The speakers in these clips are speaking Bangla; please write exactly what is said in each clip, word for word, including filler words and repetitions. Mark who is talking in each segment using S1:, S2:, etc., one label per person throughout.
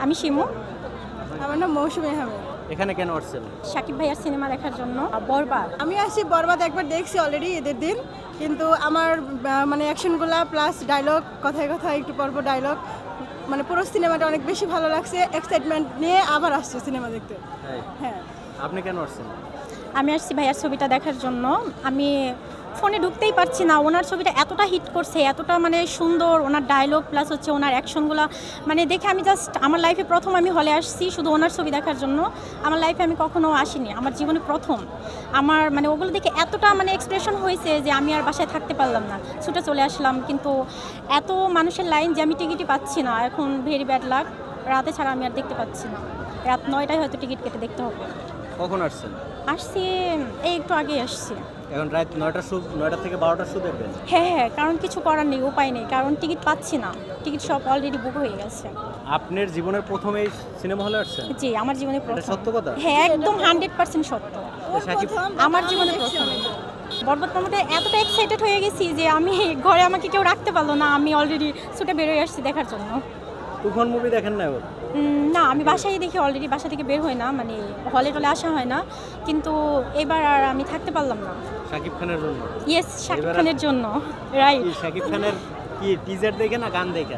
S1: আমি শিমু।
S2: আমার নাম মৌসুমী আহমেদ।
S3: এখানে কেন আসছেন?
S1: শাকিব ভাইয়ার সিনেমা দেখার জন্য। বরবাদ
S2: আমি আসছি বরবাদ একবার দেখছি অলরেডি ঈদের দিন, কিন্তু আমার আহ, মানে অ্যাকশনগুলা প্লাস ডায়লগ, কথায় কথায় একটু পর্ব ডায়লগ, মানে পুরো সিনেমাটা অনেক বেশি ভালো লাগছে। এক্সাইটমেন্ট নিয়ে আবার আসছে সিনেমা দেখতে।
S3: তাই?
S2: হ্যাঁ।
S3: আপনি কেন আসছেন?
S1: আমি আসছি ভাইয়ার ছবিটা দেখার জন্য। আমি ফোনে ঢুকতেই পারছি না, ওনার ছবিটা এতটা হিট করছে, এতটা মানে সুন্দর, ওনার ডায়লগ প্লাস হচ্ছে ওনার অ্যাকশনগুলো মানে দেখে আমি জাস্ট আমার লাইফে প্রথম আমি হলে আসছি শুধু ওনার ছবি দেখার জন্য। আমার লাইফে আমি কখনো আসিনি, আমার জীবনে প্রথম। আমার মানে ওগুলো দেখে এতটা মানে এক্সপ্রেশন হয়েছে যে আমি আর বাসায় থাকতে পারলাম না, ছুটে চলে আসলাম। কিন্তু এত মানুষের লাইন যে আমি টিকিটই পাচ্ছি না, এখন ভেরি ব্যাড লাক। রাতে ছাড়া আমি আর দেখতে পাচ্ছি না, রাত নয়টায় হয়তো টিকিট কেটে দেখতে হবে।
S3: কখন আসছেন?
S1: আসছি এই একটু আগেই আসছি।
S3: এখন রাত নয়টা শো, নয়টা থেকে বারোটার শো দেখবেন?
S1: হ্যাঁ হ্যাঁ, কারণ কিছু করার নেই, উপায় নেই, কারণ টিকিট পাচ্ছি না, টিকিট সব অলরেডি বুক হয়ে গেছে।
S3: আপনার জীবনের প্রথম এই সিনেমা হলে আসছেন?
S1: জি, আমার জীবনে
S3: এটা
S1: প্রথম।
S3: সত্য কথা?
S1: হ্যাঁ, একদম হান্ড্রেড পার্সেন্ট সত্য।
S3: শাকিব
S1: আমার জীবনে প্রথম। বরবাদ প্রমোটে এতটা এক্সাইটেড হয়ে গেছি যে আমি ঘরে আমাকে কেউ রাখতে পারলো না, আমি অলরেডি ছুটে বেরোয় আসছি দেখার জন্য।
S3: তুফান মুভি দেখেন না ওর?
S1: উম, না, আমি বাসায় দেখি, অলরেডি বাসা থেকে বের হয় না, মানে হলে টলে আসা হয় না, কিন্তু এবার আর আমি থাকতে পারলাম না।
S3: শাকিব খানের জন্য?
S1: ইয়েস, শাকিব
S3: এবার-
S1: খানের জন্য, রাইট।
S3: কি শাকিব খানের কি টিজার দেখে না গান দেখে?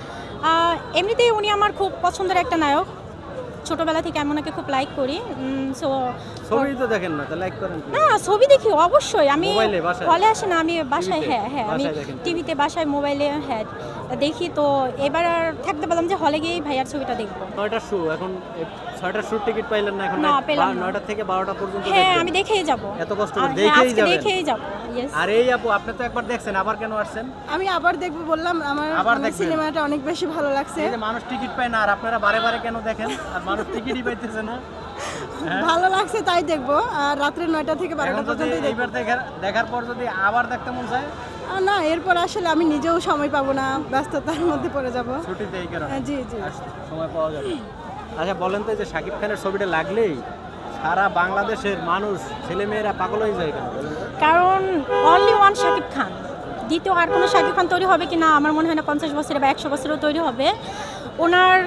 S1: আহ, এমনিতেই উনি আমার খুব পছন্দের একটা নায়ক, ছোটবেলা থেকে আমি ওনাকে খুব লাইক করি। সো
S3: ছবি তো দেখেন না, তাহলে লাইক করেন কি?
S1: না, ছবি দেখি অবশ্যই, আমি
S3: মোবাইলে, বাসায়?
S1: হলে আসে না, আমি বাসায়,
S3: টিভিতে?
S1: হ্যাঁ হ্যাঁ, আমি
S3: বাসায় দেখেন?
S1: টিভিতে, বাসায়, মোবাইলে, হ্যাঁ দেখি। তো এবার আর থাকতে পারলাম যে হলে গিয়েই ভাইয়ার ছবিটা দেখবো।
S3: নয়টার শো, এখন এই ছয়টার শোর টিকিট পাইলেন না, এখন
S1: না, পেলাম না।
S3: নয়টা থেকে বারোটা পর্যন্ত
S1: হ্যাঁ,
S3: দেখবেন?
S1: আমি দেখেই যাব।
S3: এত কষ্ট
S1: আর
S3: করে
S1: হ্যাঁ,
S3: দেখেই
S1: আজকে
S3: যাবেন?
S1: দেখেই যাব। ইয়েস।
S3: আর এই আপু, আপনি তো একবার দেখছেন, আবার কেন আসছেন?
S2: আমি আবার দেখবো বললাম, আমার
S3: আবার
S2: মানে
S3: দেখবেন?
S2: সিনেমাটা অনেক বেশি ভালো লাগছে।
S3: এই যে মানুষ টিকিট পায় না, আর আপনারা বারে বারে কেন দেখেন? আর মানুষ টিকিটই পাইতেছে না।
S2: ভালো লাগছে তাই দেখবো, আর রাত্রে নয়টা থেকে বারোটা
S3: এখন যদি
S2: পর্যন্ত দেখবো।
S3: এইবার দেখার দেখার পর যদি আবার দেখতে মন চায়?
S2: আর না, এরপর আসলে আমি নিজেও সময় পাবো না, ব্যস্ততার মধ্যে পড়ে যাবো।
S3: ছুটিতে এই কারণে?
S2: হ্যাঁ, জি জি।
S3: আর সময় পাওয়া যাবে। আচ্ছা বলেন তো, এই যে শাকিব খানের ছবিটা লাগলেই সারা বাংলাদেশের মানুষ, ছেলেমেয়েরা পাগল হয়ে যায় কেন বলেন তো?
S1: কারণ অনলি ওয়ান শাকিব খান, দ্বিতীয় আর কোনো শাকিব খান তৈরি হবে কি না আমার মনে হয় না পঞ্চাশ বছরে বা একশো বছরেও তৈরি হবে। ওনার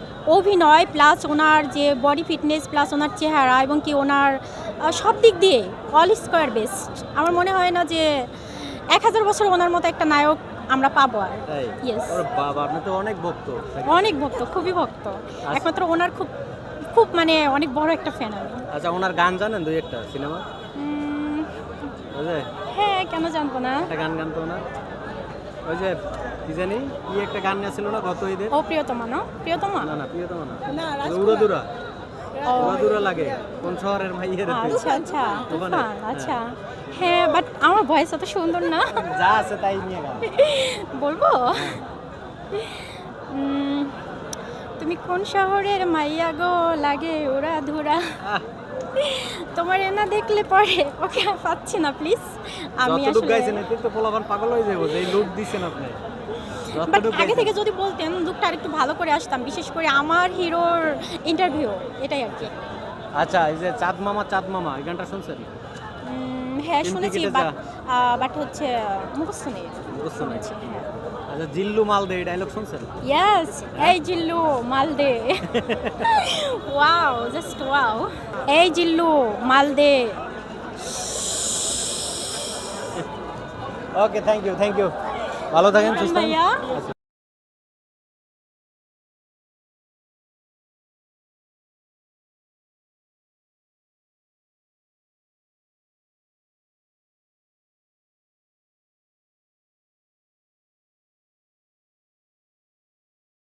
S1: অভিনয় প্লাস ওনার যে বডি ফিটনেস প্লাস ওনার চেহারা এবং কি ওনার আহ, সব দিক দিয়ে অল স্কোয়ার বেস্ট। আমার মনে হয় না যে এক হাজার বছর ওনার মতো একটা নায়ক আমরা পাবো আর।
S3: তাই?
S1: ইয়েস,
S3: ওরে বাবা, আপনি তো অনেক ভক্ত শাকিব।
S1: অনেক ভক্ত, খুবই ভক্ত, একমাত্র ওনার খুব খুব মানে অনেক বড় একটা ফ্যান আমি।
S3: আচ্ছা, ওনার গান জানেন দুই একটা সিনেমা?
S1: উম,
S3: ওই যে
S1: হ্যাঁ, কেন জানবো না।
S3: একটা গান গান তো ওনার, ওই যে কি জানি কি একটা গান ছিল না গত ঈদে?
S1: ও প্রিয়তমা, না প্রিয়তমা,
S3: না না, প্রিয়তমা না,
S2: না,
S3: উড়া দুরা
S1: ও
S3: উড়া দুরা লাগে কোন শহরের মাইয়ের?
S1: আচ্ছা আচ্ছা,
S3: ওখানে?
S1: তুফান, আচ্ছা হ্যাঁ, বাট আমার ভয়েস অত সুন্দর না।
S3: যা আছে তাই নিয়ে গান।
S1: বলবো? উম, তুমি কোন শহরের মাইয়া গো, লাগে ওরা ধুরা,
S3: আহ,
S1: তোমার না দেখলে পরে ওকে পাচ্ছি না, প্লিজ। আমি
S3: যতটুক
S1: আসলে
S3: গাইছেন এতে তো পোলাপান পাগল হয়ে যাবো, যে লুক দিচ্ছেন আপনি।
S1: বাট
S3: যতটুক
S1: আগে
S3: গাইছেন।
S1: থেকে যদি বলতেন লুকটা আরেকটু ভালো করে আসতাম, বিশেষ করে আমার হিরোর ইন্টারভিউ, এটাই আর কি।
S3: আচ্ছা, এই যে চাঁদ মামা চাঁদ মামা, এই গানটা শুনছেন?
S1: উম, হ্যাঁ
S3: তিন
S1: শুনেছি,
S3: টিকিটে
S1: বাট
S3: যা।
S1: বাট হচ্ছে মুখস্থ নেই।
S3: মুখস্থ নেই।
S1: শুনেছি, হ্যাঁ।
S3: আচ্ছা, জিল্লু মাল দে, এই ডায়লগ শুনছেন?
S1: ইয়েস, এই জিল্লু মালদে, ওয়াও, জাস্ট ওয়াও, এই জিল্লু মালদে।
S3: Okay, thank you thank you, ভালো থাকেন, সুস্থ থাকেন।
S1: ভাইয়া।
S3: আচ্ছা।